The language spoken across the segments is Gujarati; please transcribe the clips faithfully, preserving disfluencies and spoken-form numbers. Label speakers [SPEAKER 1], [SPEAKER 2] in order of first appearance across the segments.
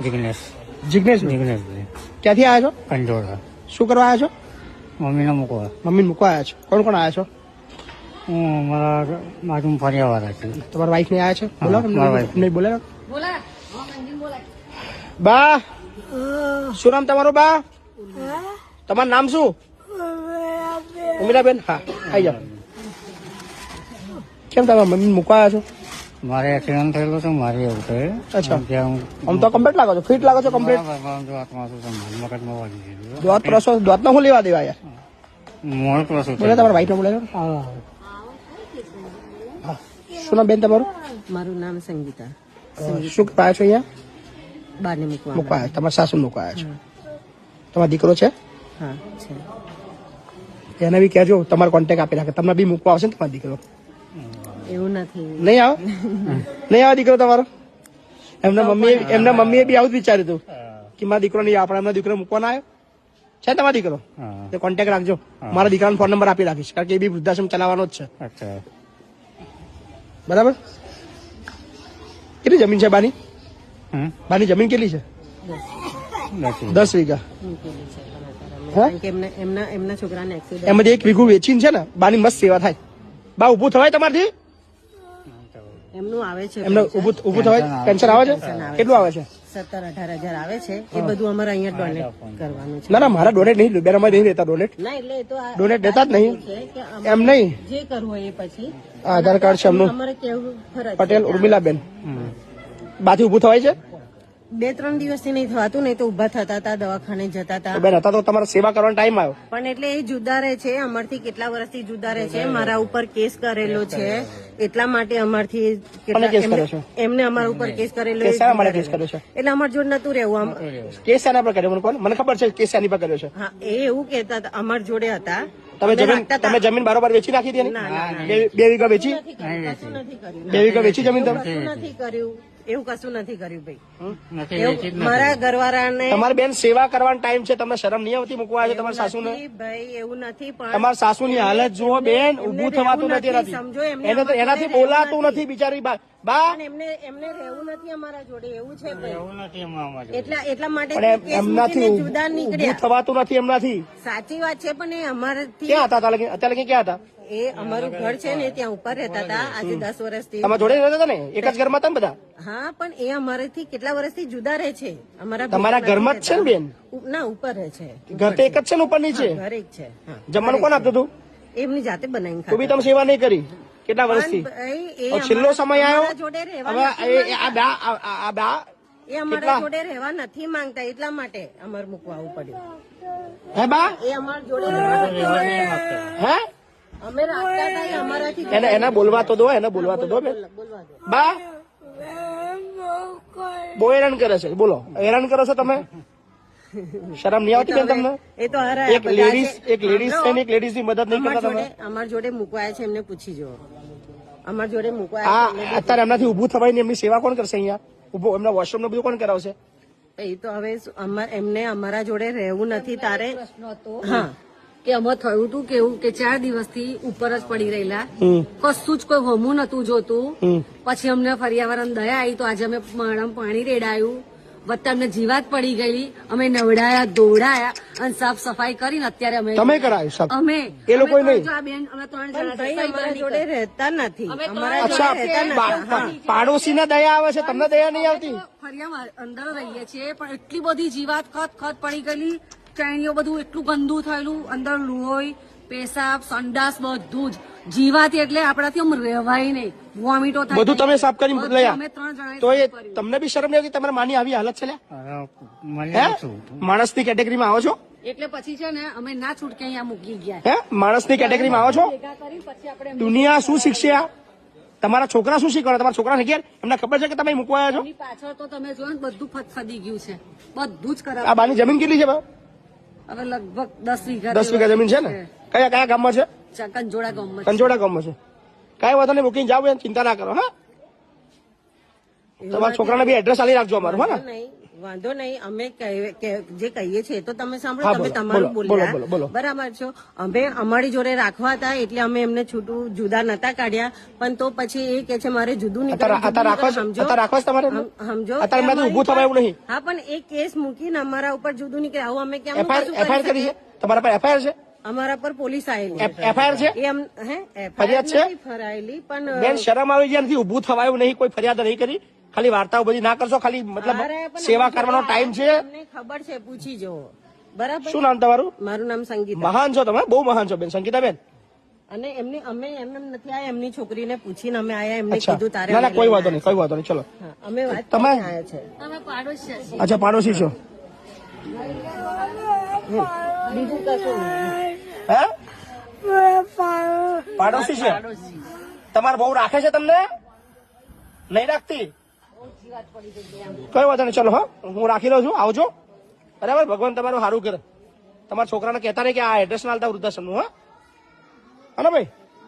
[SPEAKER 1] જિગ્નેશ
[SPEAKER 2] જિગ્નેશ
[SPEAKER 1] જિગ્નેશ
[SPEAKER 2] ક્યાંથી આવ્યા છો?
[SPEAKER 1] કંજોડા.
[SPEAKER 2] શું કરવા આવ્યા છો?
[SPEAKER 1] મમ્મીને મૂકવા.
[SPEAKER 2] મમ્મીને મૂકવા આવ્યા છો? કોણ કોણ આવ્યા છો?
[SPEAKER 1] હું મારા બાજુ ફર્યાવાળા છે.
[SPEAKER 2] તમારા વાઈફ ને આવ્યા છે? બોલો
[SPEAKER 1] મારા wife.
[SPEAKER 2] નહીં બોલે બા. શું નામ તમારું બા? તમારું નામ શું? ઉમિરાબેન. હા આવી જાઓ. કેમ તમે મમ્મી મૂકવા આવ્યા છો?
[SPEAKER 1] મારે એક્સિડન્ટ થયેલો છે, મારે એવું છે.
[SPEAKER 2] અચ્છા.
[SPEAKER 1] ત્યાં
[SPEAKER 2] આમ તો કમ્પ્લીટ લાગો છો, ફિટ લાગો છો કમ્પ્લીટ.
[SPEAKER 1] મગજમાં વાગી ગયેલું.
[SPEAKER 2] દોત ત્રસો દોત નો શું લેવા દેવા યાર?
[SPEAKER 1] મોડ પ્રસું
[SPEAKER 2] બોલે તમારા વાઈફ ને બોલે છો? હા. શું નામ બેન તમારું?
[SPEAKER 3] મારું નામ સંગીતા.
[SPEAKER 2] શું કરવા આવ્યા છો અહીંયા?
[SPEAKER 3] બારને મૂકવા.
[SPEAKER 2] મૂકવા આવ્યા તમારા સાસુ મૂકવા આવ્યા છો? તમારો દીકરો છે?
[SPEAKER 3] હા છે.
[SPEAKER 2] એને બી કહેજો તમારો કોન્ટેક્ટ આપી રાખે, તમને બી મૂકવા આવશે ને તમારો દીકરો.
[SPEAKER 3] એવું નથી.
[SPEAKER 2] નહીં આવે? નહીં આવે દીકરો તમારો? એમના મમ્મી એમના મમ્મીએ બી આવું જ વિચાર્યું હતું કે મારા દીકરો નહીં આપણે એમના દીકરો મૂકવાનો આવ્યો છે. તમારો દીકરો તે કોન્ટેક્ટ રાખજો. મારા દીકરાનો ફોન નંબર આપી રાખીશ, કારણ કે એ બી વૃદ્ધાશ્રમ ચલાવવાનો જ છે.
[SPEAKER 1] અચ્છા.
[SPEAKER 2] બરાબર. કેટલી જમીન છે બાની?
[SPEAKER 1] હમ?
[SPEAKER 2] બાની જમીન કેટલી છે?
[SPEAKER 1] નથી.
[SPEAKER 2] દસ વીઘા.
[SPEAKER 3] મૂકેલી છે પણ અત્યારે અમે.
[SPEAKER 2] હા?
[SPEAKER 3] કારણ કે એમના એમના એમના છોકરાને એક્સિડન્ટ.
[SPEAKER 2] એમાંથી એક વીઘું વેચીને છે ને બાની મસ્ત સેવા થાય. બા ઉભું થવાય તમારથી?
[SPEAKER 3] એમનું આવે છે
[SPEAKER 2] એમને
[SPEAKER 3] pension.
[SPEAKER 2] ઉભું ઉભું થવાય? પેન્શન આવે છે? કેટલું આવે છે?
[SPEAKER 3] સત્તર અઢાર હજાર આવે છે. એ બધું અમારે અહીંયા ડોનેટ કરવાનું છે.
[SPEAKER 2] ના ના મારા ડોનેટ નહીં, બેન અમારે નહીં રહેતા ડોનેટ.
[SPEAKER 3] ના એટલે એ તો આ-
[SPEAKER 2] ડોનેટ દેતા જ નહીં.
[SPEAKER 3] છે કે
[SPEAKER 2] એમ
[SPEAKER 3] અમારે
[SPEAKER 2] નહીં.
[SPEAKER 3] જે કરવું હોય એ પછી
[SPEAKER 2] આ આધાર કાર્ડ છે એમનું.
[SPEAKER 3] અમારે કેવું ફરજ છે.
[SPEAKER 2] પટેલ ઉર્મિલાબેન. બાથી ઉભું થવાય છે?
[SPEAKER 3] બે ત્રણ દિવસથી નહીં થવાતું, નહીં તો ઉભા થતા હતા, દવાખાને જતા હતા.
[SPEAKER 2] તો બેન હતા તો તમારે સેવા કરવાનો ટાઈમ આવ્યો.
[SPEAKER 3] પણ એટલે એ જુદા રહે છે, અમારથી કેટલા વર્ષથી જુદા રહે છે. મારા ઉપર કેસ કરેલો છે, એટલા માટે અમારથી
[SPEAKER 2] કોને કેસ
[SPEAKER 3] કેટલા-
[SPEAKER 2] કર્યો છે?
[SPEAKER 3] એમને- એમને અમારા ઉપર કેસ કરેલો
[SPEAKER 2] કેસ
[SPEAKER 3] એ
[SPEAKER 2] શાના
[SPEAKER 3] જુદા
[SPEAKER 2] માટે કેસ
[SPEAKER 3] રહે.
[SPEAKER 2] કર્યો છે?
[SPEAKER 3] એટલે અમાર જોડે નતું રહેવું આમ.
[SPEAKER 2] કેસ શાના પર કર્યો મને કોણ? મને ખબર છે કેસ શાની પર કર્યો છે.
[SPEAKER 3] હા એ એવું કેતા હતા, અમાર જોડે હતા.
[SPEAKER 2] તમે
[SPEAKER 3] અમે
[SPEAKER 2] જમીન
[SPEAKER 3] રાખતા હતા.
[SPEAKER 2] તમે જમીન બારોબાર વેચી નાખી હતી એની?
[SPEAKER 3] ના, ના, ના.
[SPEAKER 2] બે બે વીઘા વેચી?
[SPEAKER 3] નથી કર્યું, કશું નથી કર્યું.
[SPEAKER 2] બે વીઘા વેચી જમીન તમે?
[SPEAKER 3] કશું નથી કર્યું, એવું કશું નથી કર્યું ભાઈ.
[SPEAKER 1] નથી
[SPEAKER 3] એવું
[SPEAKER 1] વેચી જ નથી.
[SPEAKER 3] મારા ઘરવાળાને
[SPEAKER 2] તમારી બેન સેવા કરવાનો ટાઈમ છે, તમને શરમ નહીં આવતી મૂકવા આવે તમારા સાસુ ને?
[SPEAKER 3] નથી ભાઈ, એવું નથી. પણ
[SPEAKER 2] તમારા સાસુ ની હાલત જુઓ બેન,
[SPEAKER 3] એમને
[SPEAKER 2] ઉભું થવાતું
[SPEAKER 3] રહેવું
[SPEAKER 2] નથી
[SPEAKER 3] નથી,
[SPEAKER 2] એનાથી.
[SPEAKER 3] સમજો, એમને
[SPEAKER 2] એને તો
[SPEAKER 3] અમારા
[SPEAKER 2] એનાથી
[SPEAKER 3] જોડે
[SPEAKER 2] બોલાતું
[SPEAKER 3] રહેવું
[SPEAKER 2] નથી બિચારી બા. બા
[SPEAKER 3] પણ એમને એમને રહેવું નથી અમારા જોડે, એવું છે ભાઈ.
[SPEAKER 1] એવું નથી એમાં અમારે.
[SPEAKER 3] એટલા એટલા માટે
[SPEAKER 2] પણ એમ-
[SPEAKER 3] કેસ
[SPEAKER 2] એમનાથી
[SPEAKER 3] મૂકીને જુદા
[SPEAKER 2] ઉભું
[SPEAKER 3] નીકળ્યા.
[SPEAKER 2] થવાતું નથી એમનાથી.
[SPEAKER 3] સાચી વાત છે, પણ એ અમારાથી
[SPEAKER 2] ક્યાં હતા અત્યારે લગી- અત્યારે લગી ક્યાં હતા?
[SPEAKER 3] એ અમારું ઘર છે ને ત્યાં ઉપર રહેતા હતા આજે દસ વર્ષથી.
[SPEAKER 2] તમારા જોડે રહેતા હતા ને? એક જ ઘરમાં હતા ને બધા?
[SPEAKER 3] હા પણ એ અમારાથી કેટલા વર્ષથી જુદા રહે છે. અમારા
[SPEAKER 2] તમારા
[SPEAKER 3] ભેગા
[SPEAKER 2] ઘરમાં જ છે ને
[SPEAKER 3] નથી
[SPEAKER 2] બેન?
[SPEAKER 3] રહેતા. ઉ- ના ઉપર રહે છે.
[SPEAKER 2] ઘર તો એક જ છે ને ઉપર નીચે?
[SPEAKER 3] હા, ઘર એક છે. હા.
[SPEAKER 2] જમવાનું કોણ આપતું હતું?
[SPEAKER 3] એમની જાતે બનાવીને
[SPEAKER 2] તો બી
[SPEAKER 3] ખાતા.
[SPEAKER 2] તમે સેવા નહીં કરી કેટલા વર્ષથી?
[SPEAKER 3] પણ ભાઈ, એ
[SPEAKER 2] હવે છેલ્લો
[SPEAKER 3] અમારા-
[SPEAKER 2] સમય આવ્યો.
[SPEAKER 3] અમારા જોડે રહેવા
[SPEAKER 2] હવે
[SPEAKER 3] નથી
[SPEAKER 2] એ- એ આ બા આ- આ- આ બા
[SPEAKER 3] એ અમારા
[SPEAKER 2] કેટલા?
[SPEAKER 3] જોડે રહેવા નથી માંગતા, એટલા માટે અમારે મૂકવા આવવું પડ્યું.
[SPEAKER 2] હે બા?
[SPEAKER 3] એ અમારા જોડે રહેવા નથી માંગતા.
[SPEAKER 2] હે?
[SPEAKER 3] અમે રાખતા હતા એ અમારાથી
[SPEAKER 2] એને એને બોલવા તો દો, એને બોલવા તો દો બેન.
[SPEAKER 3] બોલવા દો.
[SPEAKER 2] બા બહુ હેરાન કરે છે. બોલો, હેરાન કરો છો તમે? શરમ નહીં આવતી બેન તમને?
[SPEAKER 3] એ તો હારા
[SPEAKER 2] એક લેડીઝ એક લેડીઝ છે ને એક લેડીઝ ની મદદ નહીં
[SPEAKER 3] અમારા
[SPEAKER 2] કરતા તમે?
[SPEAKER 3] જોડે અમારા જોડે મૂકવાયા છે, એમને પૂછી જુઓ. અમારા જોડે
[SPEAKER 2] આ
[SPEAKER 3] મૂકવાયા છે
[SPEAKER 2] અત્યારે એમનાથી ઉભું થવાય ને એમની સેવા કોણ કરશે અહીંયા? ઉભો એમના વોશરૂમ ને બધું કોણ કરાવશે?
[SPEAKER 3] એ તો હવે શું, અમા- એમને અમારા જોડે રહેવું નથી તારે.
[SPEAKER 4] હા કે અમે થયું હતું કેવું કે ચાર દિવસથી ઉપર જ પડી રહેલા,
[SPEAKER 2] હમ
[SPEAKER 4] કશું જ કોઈ હોમું નતું જોતું.
[SPEAKER 2] હમ
[SPEAKER 4] પછી અમને ફરિયાવરણ દયા આવી તો આજે અમે માણમ પાણી રેડાયું, વત્તા અમને જીવાત પડી ગયેલી, અમે નવડાયા દોડાયા અને સાફ સફાઈ કરીને અત્યારે અમે
[SPEAKER 2] તમે કરાવી શકો?
[SPEAKER 4] અમે
[SPEAKER 2] એ લોકોએ
[SPEAKER 4] અમે
[SPEAKER 2] નહીં?
[SPEAKER 4] ત્રણ જો આ બેન અમે ત્રણ
[SPEAKER 3] પણ
[SPEAKER 4] જણા
[SPEAKER 3] ભાઈ
[SPEAKER 4] સફાઈ
[SPEAKER 3] અમારા
[SPEAKER 4] કરી
[SPEAKER 3] જોડે રહેતા નથી.
[SPEAKER 4] અમે ત્રણ
[SPEAKER 3] અમારા જોડે
[SPEAKER 2] અચ્છા,
[SPEAKER 3] રહેતા
[SPEAKER 2] પા-
[SPEAKER 3] નથી.
[SPEAKER 2] પા- પાડોશી ને દયા આવે છે, તમને દયા નહીં આવતી?
[SPEAKER 4] ફરિયામાં અંદર રહીએ છીએ પણ એટલી બધી જીવાત ખત ખત પડી ગયેલી, ચાઈણીઓ બધું એટલું ગંદુ થયેલું, અંદર લોહી પેશાબ સંડાસ બધું જ જીવાત એટલે આપણાથી આમ રહેવાય નહીં, વોમિટો થાય.
[SPEAKER 2] બધું તમે સાફ કરી
[SPEAKER 4] બધું
[SPEAKER 2] લઈ
[SPEAKER 4] અમે ત્રણ જણાએ
[SPEAKER 2] તો એ
[SPEAKER 4] સાફ કર્યું.
[SPEAKER 2] તમને બી શરમ નહીં આવતી? તમારા માની આવી હાલત છે લ્યા?
[SPEAKER 1] અરે, મને
[SPEAKER 2] હે?
[SPEAKER 1] શું?
[SPEAKER 2] માણસની કેટેગરીમાં આવો છો?
[SPEAKER 4] એટલે પછી છે ને અમે ના છૂટકે અહીંયા મૂકી ગયા.
[SPEAKER 2] હે? માણસની કેટેગરીમાં આવો છો?
[SPEAKER 4] ભેગા કરી પછી આપણે
[SPEAKER 2] દુનિયા શું શીખશે આ? તમારા છોકરા શું શીખવાડે? તમારા છોકરાને ઘેર એમને ખબર છે કે તમે મૂકવા આવ્યા છો?
[SPEAKER 4] એમની પાછળ તો તમે જોયો ને બધું ફતફદી ગયું છે, બધું જ
[SPEAKER 2] આ
[SPEAKER 4] કરાવ.
[SPEAKER 2] બાની જમીન કેટલી છે બા?
[SPEAKER 4] હવે લગભગ દસ વીઘા
[SPEAKER 2] દસ વીઘા જમીન છે ને? કયા કયા ગામમાં છે?
[SPEAKER 4] કંજોડા ગામમાં.
[SPEAKER 2] કંજોડા ગામમાં છે. કઈ વાંધો નહીં, મૂકીને જાવ, ચિંતા ના કરો. હા, તમારા છોકરાને બી એડ્રેસ આલી રાખજો અમારું. હા ને?
[SPEAKER 3] નહીં વાંધો નહીં, અમે કહે- કે- જે કહીએ છીએ એ તો તમે સાંભળો,
[SPEAKER 2] હા,
[SPEAKER 3] તમે
[SPEAKER 2] બોલો,
[SPEAKER 3] તમારું
[SPEAKER 2] બોલો, બોલો, બોલો,
[SPEAKER 3] બોલ્યા
[SPEAKER 2] બોલો.
[SPEAKER 3] બરાબર છો. અમે અમારી જોડે રાખવા હતા એટલે અમે એમને છૂટું જુદા નતા કાઢ્યા, પણ તો પછી એ કે છે મારે જુદું
[SPEAKER 2] અત્યારે
[SPEAKER 3] નીકળવું,
[SPEAKER 2] અત્યારે
[SPEAKER 3] જુદું
[SPEAKER 2] રાખવા
[SPEAKER 3] નીકળવું.
[SPEAKER 2] અત્યારે રાખવા છે તમારે એમને?
[SPEAKER 3] હમ- સમજો
[SPEAKER 2] અત્યારે
[SPEAKER 3] કે
[SPEAKER 2] એમનાથી ઊભું થવાય એવું નહીં.
[SPEAKER 3] હા, પણ એ કેસ મૂકીને અમારા ઉપર જુદું નીકળે આવું અમે કેમ
[SPEAKER 2] એફઆઈઆર કરી છે તમારા પર? એફઆઈઆર છે?
[SPEAKER 3] અમારા પર પોલીસ આવેલી
[SPEAKER 2] એફઆઈઆર છે?
[SPEAKER 3] એ એમ હે
[SPEAKER 2] ફરિયાદ છે?
[SPEAKER 3] નથી ફરાયેલી, પણ
[SPEAKER 2] બેન શરમ આવી જાય, નથી ઊભું થવાયું નહીં, કોઈ ફરિયાદ નહીં કરી, ખાલી વાર્તાઓ બધી ના કરશો, ખાલી મતલબ
[SPEAKER 3] અરે, પણ
[SPEAKER 2] સેવા કરવાનો ટાઈમ છે.
[SPEAKER 3] તમને ખબર છે, પૂછી જુઓ. બરાબર.
[SPEAKER 2] શું નામ તમારું?
[SPEAKER 3] મારું નામ સંગીતા.
[SPEAKER 2] મહાન છો તમે, બહુ મહાન છો બેન, સંગીતા બેન.
[SPEAKER 3] અને એમને અમે એમને નથી આયા, એમની છોકરીને પૂછીને અમે આયા, એમને
[SPEAKER 2] અચ્છા,
[SPEAKER 3] કીધું તારે
[SPEAKER 2] ના ના
[SPEAKER 3] અમે
[SPEAKER 2] કોઈ
[SPEAKER 3] લઈને
[SPEAKER 2] વાંધો નહીં, કોઈ વાંધો નહીં, ચલો.
[SPEAKER 3] હા, અમે વાત
[SPEAKER 2] તમે?
[SPEAKER 3] કરીને આયા છે.
[SPEAKER 4] અમે પાડોશી છીએ.
[SPEAKER 2] અચ્છા, પાડોશી છો?
[SPEAKER 3] બીજું કશું નહીં.
[SPEAKER 2] હે? પાડોશી છે? તમારે બહુ રાખે છે તમને? નહીં રાખતી? કઈ વાંધો નહીં, ચલો. હા, હું રાખી લઉં છું, આવજો. બરાબર, ભગવાન તમારું સારું કરે. તમારા છોકરાને કહેતા નહીં કે આ એડ્રેસ ના આલતા વૃદ્ધાશ્રમનું. હા, હા ને ભાઈ?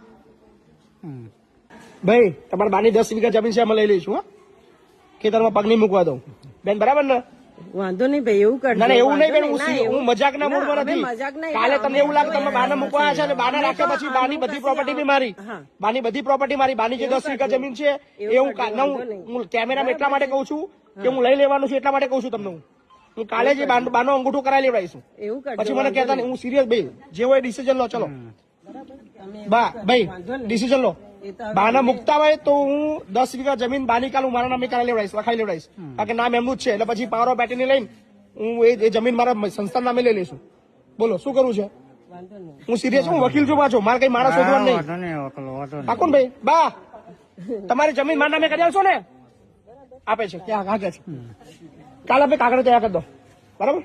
[SPEAKER 2] ભાઈ, તમારા બાની દસ વીઘા જમીન છે, અમે લઈ લઈશું. હા, ખેતરમાં પગ નહીં મૂકવા દઉં બેન, બરાબર ને?
[SPEAKER 3] વાંધો નહીં ભાઈ, એવું કરજો.
[SPEAKER 2] ના ના, એવું નહીં બેન,
[SPEAKER 3] વાંધો
[SPEAKER 2] હું
[SPEAKER 3] નહીં,
[SPEAKER 2] સી-
[SPEAKER 3] ના,
[SPEAKER 2] હું મજાક ના
[SPEAKER 3] ના,
[SPEAKER 2] મૂડમાં
[SPEAKER 3] અમે
[SPEAKER 2] નથી.
[SPEAKER 3] મજાક નહીં,
[SPEAKER 2] કાલે
[SPEAKER 3] અમે
[SPEAKER 2] તમને એવું લાગે તમે બાને
[SPEAKER 3] અમે
[SPEAKER 2] મૂકવા છે, બાને
[SPEAKER 3] અમે
[SPEAKER 2] રાખ્યા
[SPEAKER 3] તો
[SPEAKER 2] પછી બાની
[SPEAKER 3] આનું
[SPEAKER 2] બધી
[SPEAKER 3] કશું
[SPEAKER 2] પ્રોપર્ટી બી મારી.
[SPEAKER 3] હા.
[SPEAKER 2] બાની બધી પ્રોપર્ટી મારી, બાની જે દસ વીઘા જમીન છે એ હું કા- ના, હું- હું કેમેરામાં એટલા માટે કહું છું કે હું લઈ લેવાનું છું, એટલા માટે કહું છું તમને. હું હું કાલે જે બાનો બાનો અંગૂઠો કરાવી લેવડાવીશું.
[SPEAKER 3] એવું કરજો.
[SPEAKER 2] પછી મને કહેતા નહીં, હું સિરિયસ ભાઈ, જે હોય ડિસિઝન લો. ચલો બા ભાઈ, ડિસિઝન લો.
[SPEAKER 3] એ તો
[SPEAKER 2] બાના મુકતા હોય તો હું દસ વીઘા જમીન બાની કાલ હું મારા નામે કાલે લેવડાવીશ, લખાઈ લેવડાવીશ, કારણ કે નામ એમનું જ છે. એટલે પછી પાવર ઓફ એટર્ની લઈને હું એ એ જમીન મારા સંસ્થા નામે લઈ લઈશું. બોલો શું કરવું છે?
[SPEAKER 3] વાંધો નહીં.
[SPEAKER 2] હું સિરિયસ, હું વકીલ છું પાછો, મારે કઈ માણસ શોધવાનું નહીં.
[SPEAKER 1] વાંધો નહીં, વકલો વાંધો નહીં.
[SPEAKER 2] પાકું ને ભાઈ? બા, તમારી જમીન મારા નામે કરી આલશો ને? આપે છે, ક્યાં કાગળ છે? કાલે આપણે કાગળ તૈયાર કરી દો. બરાબર,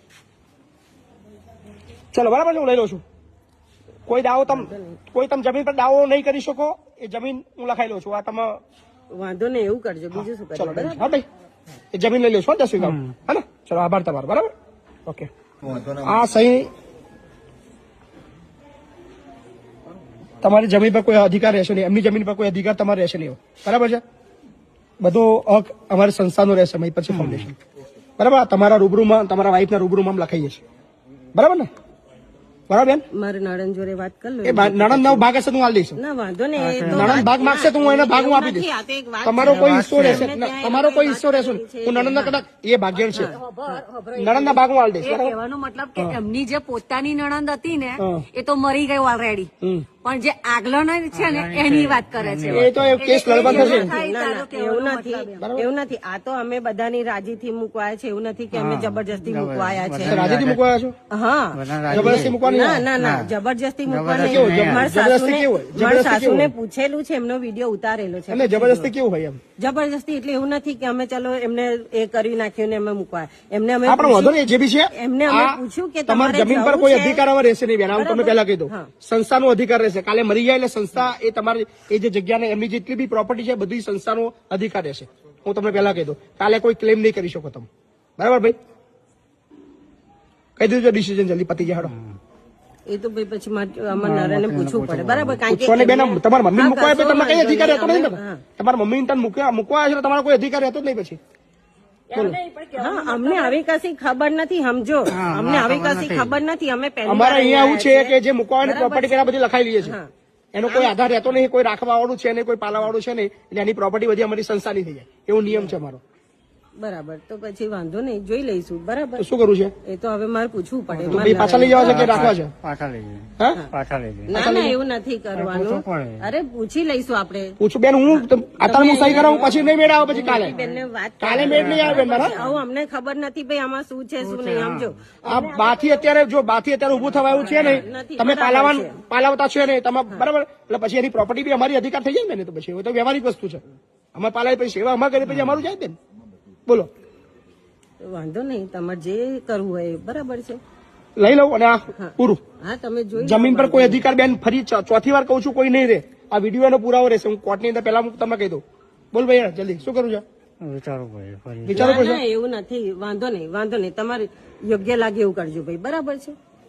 [SPEAKER 2] ચલો બરાબર છે, હું લઈ લઉં છું. કોઈ દાવો તમ કોઈ તમે જમીન પર દાવો નહીં કરી શકો, એ જમીન હું લખાઈ લઉં છું. આ તમે
[SPEAKER 3] વાંધો નહીં, એવું કરજો. બીજું શું
[SPEAKER 2] ચલો
[SPEAKER 3] કરજો?
[SPEAKER 2] હા ભાઈ, એ જમીન લઈ લેશો દસ વીઘા. હા ને? ચલો, આભાર તમારો. બરાબર, ઓકે. આ સહી તમારી જમીન પર કોઈ અધિકાર રહેશે નહીં, એમની જમીન પર કોઈ અધિકાર તમારે રહેશે નહીં. બરાબર છે? બધો હક અમારી સંસ્થાનો રહેશે, મહી પછી ફાઉન્ડેશન. બરાબર, તમારા રૂબરૂમાં, તમારા વાઈફના રૂબરૂમાં અમે લખાઈએ છીએ. બરાબર ને? બરાબર બેન?
[SPEAKER 3] મારે નણંદ જોડે વાત કરી લો.
[SPEAKER 2] એ નણંદ નો ભાગ હશે તો હું આલી દઈશું.
[SPEAKER 3] ના વાંધો નહીં, એ તો
[SPEAKER 2] નણંદ ભાગ માંગશે તો હું એને ભાગ હું આપી
[SPEAKER 3] નથી,
[SPEAKER 2] દઈશ.
[SPEAKER 3] આ તો એક વાત
[SPEAKER 2] તમારો
[SPEAKER 3] છે.
[SPEAKER 2] કોઈ હિસ્સો રહેશે
[SPEAKER 3] એમને
[SPEAKER 2] ના,
[SPEAKER 3] ત્યાં
[SPEAKER 2] તમારો
[SPEAKER 3] એ
[SPEAKER 2] કોઈ
[SPEAKER 3] વાત
[SPEAKER 2] હિસ્સો રહેશે
[SPEAKER 3] કરી છે.
[SPEAKER 2] હું નણંદ કદાચ એ ભાગ્યણ છે, નણંદ ના ભાગ હું આલી દઈશ.
[SPEAKER 4] એ
[SPEAKER 2] બરાબર?
[SPEAKER 4] કહેવાનો મતલબ કે એમની જે પોતાની નણંદ હતી ને
[SPEAKER 2] હા.
[SPEAKER 4] એ તો મરી ગઈ ઓલરેડી,
[SPEAKER 2] હમ.
[SPEAKER 4] પણ જે આગલો છે ને એની વાત કરે છે.
[SPEAKER 2] એ તો એ કેસ લડવા થશે.
[SPEAKER 3] ના, ના, એવું નથી, એવું નથી. આ તો અમે બધાની રાજીથી મૂકવાયા છે, એવું નથી કે અમે જબરજસ્તી મૂકવાયા છે.
[SPEAKER 2] રાજીથી મૂકવા આવ્યા છો?
[SPEAKER 3] હા,
[SPEAKER 1] બધા
[SPEAKER 2] જબરદસ્તી મૂકવાની
[SPEAKER 3] ના
[SPEAKER 2] નહીં.
[SPEAKER 3] ના ના, જબરજસ્તી મૂકવા
[SPEAKER 1] જબરજસ્તી
[SPEAKER 3] નહીં.
[SPEAKER 1] કેવું?
[SPEAKER 3] મારા
[SPEAKER 2] જબરજસ્તી
[SPEAKER 3] સાસુને
[SPEAKER 2] કેવું હોય?
[SPEAKER 3] મારા
[SPEAKER 2] જબરજસ્તી
[SPEAKER 3] સાસુને
[SPEAKER 2] કેવું
[SPEAKER 3] પૂછેલું છે, એમનો વિડીયો ઉતારેલો છે.
[SPEAKER 2] એટલે જબરદસ્તી કેવું હોય એમ?
[SPEAKER 3] જબરજસ્તી એટલે એવું નથી કે અમે ચલો એમને એ કરી નાખ્યું ને અમે મૂકવા, એમને અમે
[SPEAKER 2] આપણે વાંધો નહીં, જે બી છે
[SPEAKER 3] એમને અમે
[SPEAKER 2] આ
[SPEAKER 3] પૂછ્યું કે
[SPEAKER 2] તમારી
[SPEAKER 3] તમારે
[SPEAKER 2] જમીન પર
[SPEAKER 3] જવું
[SPEAKER 2] કોઈ
[SPEAKER 3] છે?
[SPEAKER 2] અધિકાર હવે રહેશે નહીં બેન. આવું તમે પહેલા કહી દો.
[SPEAKER 3] હા.
[SPEAKER 2] સંસ્થાનો અધિકાર રહેશે. કાલે મરી જાય એટલે સંસ્થા એ તમારી એ જે જગ્યાને એમની જેટલી બી પ્રોપર્ટી છે બધી સંસ્થાનો અધિકાર રહેશે. હું તમને પહેલા કહી દઉં, કાલે કોઈ ક્લેમ નહીં કરી શકો તમે. બરાબર ભાઈ? કહી દીધું ડિસિઝન જલ્દી પતી જાય. હેડો.
[SPEAKER 3] એ તો ભાઈ પછી મારે અમારા નરેને પૂછવું પડે. બરાબર, કારણ કે
[SPEAKER 2] પૂછવાને બેન
[SPEAKER 3] એમને-
[SPEAKER 2] તમારા મમ્મી
[SPEAKER 3] હા,
[SPEAKER 2] મૂકવા
[SPEAKER 3] કશો
[SPEAKER 2] તમે કઈ
[SPEAKER 3] વાંધો
[SPEAKER 2] અધિકાર રહેતો
[SPEAKER 3] નહીં.
[SPEAKER 2] નથી ને?
[SPEAKER 3] હા.
[SPEAKER 2] તમારા મમ્મી તને મૂકવા મૂકવા આવ્યા છે તો તમારો કોઈ અધિકાર રહેતો જ નહીં પછી.
[SPEAKER 3] હા, અમને આવી કશી ખબર નથી, સમજો. અમને આવી કશી ખબર નથી. અમે પહેલી
[SPEAKER 2] અમારે
[SPEAKER 3] વાર
[SPEAKER 2] અહીંયા આવું છે
[SPEAKER 3] આવ્યા
[SPEAKER 2] કે જે મૂકવાની પ્રોપર્ટી પેલા બધી લખાઈ લઈએ છે,
[SPEAKER 3] હા.
[SPEAKER 2] એનો કોઈ આધાર રહેતો નહીં, કોઈ રાખવા વાળું છે નહીં, કોઈ પાલા વાળું છે નહીં, એટલે એની પ્રોપર્ટી બધી અમારી સંસ્થાની થઈ જાય, એવો નિયમ છે અમારો.
[SPEAKER 3] બરાબર, તો પછી વાંધો નહીં, જોઈ લઈશું. બરાબર,
[SPEAKER 2] તો શું કરવું છે?
[SPEAKER 3] એ તો હવે મારે પૂછવું પડે.
[SPEAKER 2] તો ભાઈ પાછા લઈ જવા છે કે રાખવા છે?
[SPEAKER 1] પાછા લઈ જઈએ,
[SPEAKER 2] હા,
[SPEAKER 1] પાછા લઈ જઈએ.
[SPEAKER 3] ના ના, એવું નથી કરવાનું.
[SPEAKER 1] પૂછવું પડે.
[SPEAKER 3] અરે પૂછી લઈશું આપણે.
[SPEAKER 2] પૂછું બેન, હું તમ- અત્યારે હું સહી કરાવું પછી નહીં મેળ આવે પછી કાલે.
[SPEAKER 3] બેનને વાત
[SPEAKER 2] કાલે મેળ નહીં આવે બેન મારા.
[SPEAKER 3] આવું અમને ખબર નથી ભાઈ આમાં શું છે શું નહીં, સમજો.
[SPEAKER 2] આ બાથી અત્યારે જો બાથી અત્યારે ઉભું થવા એવું છે નહીં,
[SPEAKER 3] નથી,
[SPEAKER 2] તમે
[SPEAKER 3] બરાબર
[SPEAKER 2] પાલાવાન
[SPEAKER 3] છે.
[SPEAKER 2] પાલાવતા છો નહીં તમે, બરાબર? એટલે પછી એની પ્રોપર્ટી બી અમારી અધિકાર થઈ જાય ને, તો પછી એ તો વ્યવહારિક વસ્તુ છે. અમે પાલાવી પછી સેવા અમારે કરી પછી અમારું જાય બેન. બોલો,
[SPEAKER 3] વાંધો નહીં, તમારે જે કરવું હોય એ બરાબર છે.
[SPEAKER 2] લઈ લઉં અને આ પૂરું.
[SPEAKER 3] હા, તમે જોઈ લો.
[SPEAKER 2] જમીન પર કોઈ અધિકાર બેન, ફરી ચ- ચોથી વાર કહું છું, કોઈ નહીં રહે. આ વિડીયો એનો પુરાવો રહેશે. હું કોર્ટની અંદર પહેલા હું તમને કહી દઉં. બોલ ભાઈ જલ્દી, શું કરું છે?
[SPEAKER 1] વિચારવું પડે ફરી.
[SPEAKER 2] વિચારો
[SPEAKER 3] ના,
[SPEAKER 2] પડશે.
[SPEAKER 3] ના, એવું નથી. વાંધો નહીં, વાંધો નહીં. તમારે યોગ્ય લાગે એવું કરજો ભાઈ. બરાબર છે?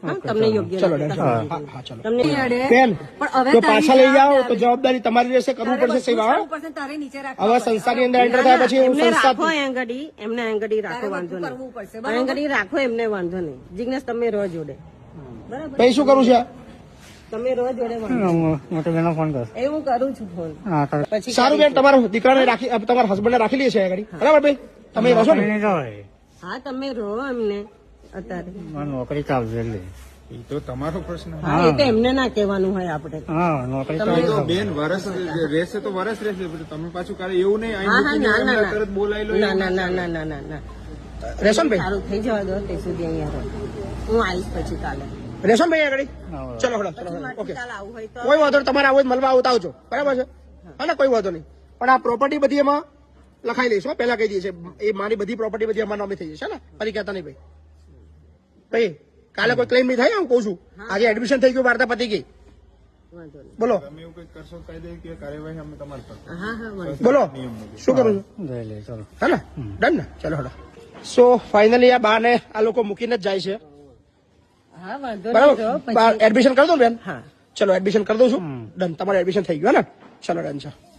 [SPEAKER 3] હા, તમને યોગ્ય
[SPEAKER 2] ચલો
[SPEAKER 3] લાગે
[SPEAKER 2] ડન.
[SPEAKER 3] તો
[SPEAKER 2] હા હા ચલો
[SPEAKER 3] તમને
[SPEAKER 2] બેન
[SPEAKER 4] પણ હવે
[SPEAKER 2] જો
[SPEAKER 4] તારી
[SPEAKER 2] પાછા લઈ જાઓ તો
[SPEAKER 4] જવાબદારી.
[SPEAKER 2] જવાબદારી તમારી રહેશે, કરવું
[SPEAKER 4] તારે
[SPEAKER 2] પડશે
[SPEAKER 4] બધું
[SPEAKER 2] સેવા.
[SPEAKER 4] કરવું પડશે, તારે નીચે રાખવું
[SPEAKER 2] હવે
[SPEAKER 4] પડશે.
[SPEAKER 2] સંસ્થાની અંદર એન્ટર થયા પછી હું
[SPEAKER 3] એમને
[SPEAKER 2] સંસ્થા
[SPEAKER 3] રાખો આંગળી એમને આંગળી રાખો
[SPEAKER 4] તારે
[SPEAKER 3] વાંધો
[SPEAKER 4] બધું
[SPEAKER 3] નહીં
[SPEAKER 4] કરવું પડશે, બરાબર?
[SPEAKER 3] આંગળી રાખો એમને વાંધો નહીં જિગ્નેશ તમે રહો જોડે બરાબર
[SPEAKER 2] પછી શું કરું છે
[SPEAKER 3] તમે રહો જોડે વાંધો
[SPEAKER 1] મોટી બેનો ફોન કર
[SPEAKER 3] એ હું કરું છું ફોન
[SPEAKER 1] હા તો
[SPEAKER 3] પછી
[SPEAKER 2] સારું બેન, તમારા દીકરાને રાખી તમારા હસબન્ડને રાખી લઈએ છીએ આગળ, બરાબર ભાઈ? તમે રહો ને?
[SPEAKER 1] નહીં જવાય.
[SPEAKER 3] હા તમે રહો એમને અત્યારે
[SPEAKER 1] મારે નોકરી ચાલશે એટલે
[SPEAKER 5] એ તો તમારો પ્રશ્ન.
[SPEAKER 3] હા એ તો એમને ના કહેવાનું હોય આપણે
[SPEAKER 1] હા નોકરી
[SPEAKER 5] તો
[SPEAKER 1] ચાલશે.
[SPEAKER 5] બેન વરસ રહેશે તો વરસ રહેશે, પણ તમે પાછું કાલે એવું નહીં અહીં
[SPEAKER 3] હા હા
[SPEAKER 5] મૂકીને
[SPEAKER 3] ના ના
[SPEAKER 5] એમને
[SPEAKER 3] ના
[SPEAKER 5] તરત બોલાવી લો.
[SPEAKER 3] ના ના ના ના ના ના ના
[SPEAKER 2] રહેશો ને ભાઈ?
[SPEAKER 3] સારું થઈ જવા દો તે સુધી અહીંયા રહો હું આવીશ પછી કાલે
[SPEAKER 2] રહેશો ને ભાઈ આગળ?
[SPEAKER 1] હા.
[SPEAKER 2] ચલો હળો ચલો
[SPEAKER 3] પછી
[SPEAKER 2] ઓકે.
[SPEAKER 3] કાલે આવું હોય તો
[SPEAKER 2] કોઈ વાંધો નહીં, તમારે આવું હોય તો મળવા આવતા આવજો, બરાબર છે? હા ને, કોઈ વાંધો નહીં. પણ આ પ્રોપર્ટી બધી એમાં લખાઈ લઈશું, પહેલા કહી દઈએ છે એ મારી બધી પ્રોપર્ટી બધી અમારા નામે થઈ જશે ને, ફરી કહેતા નહીં ભાઈ. ભાઈ કાલે કોઈ ક્લેમ નહીં થાય, હું કહું છું. આજે એડમિશન થઈ ગયું, વાર્તા પતી ગઈ.
[SPEAKER 3] વાંધો નહીં
[SPEAKER 2] બોલો
[SPEAKER 5] તમે એવું કંઈક કરશો કાયદે કાર્યવાહી અમે તમારી પર
[SPEAKER 3] હા હા વાંધો
[SPEAKER 2] બોલો શું કરું છું?
[SPEAKER 1] જઈ લે ચલો.
[SPEAKER 2] હે ને ડન ને? ચલો હડો. સો ફાઇનલી આ બાને આ લોકો મૂકીને જ જાય છે,
[SPEAKER 3] હા વાંધો નહીં તો
[SPEAKER 2] બરાબર?
[SPEAKER 3] પછી
[SPEAKER 2] એડમિશન કરી દઉં ને બેન?
[SPEAKER 3] હા
[SPEAKER 2] ચલો એડમિશન કરી દઉં છું. ડન, તમારે એડમિશન થઈ ગયું હે ને? ચલો ડન છે.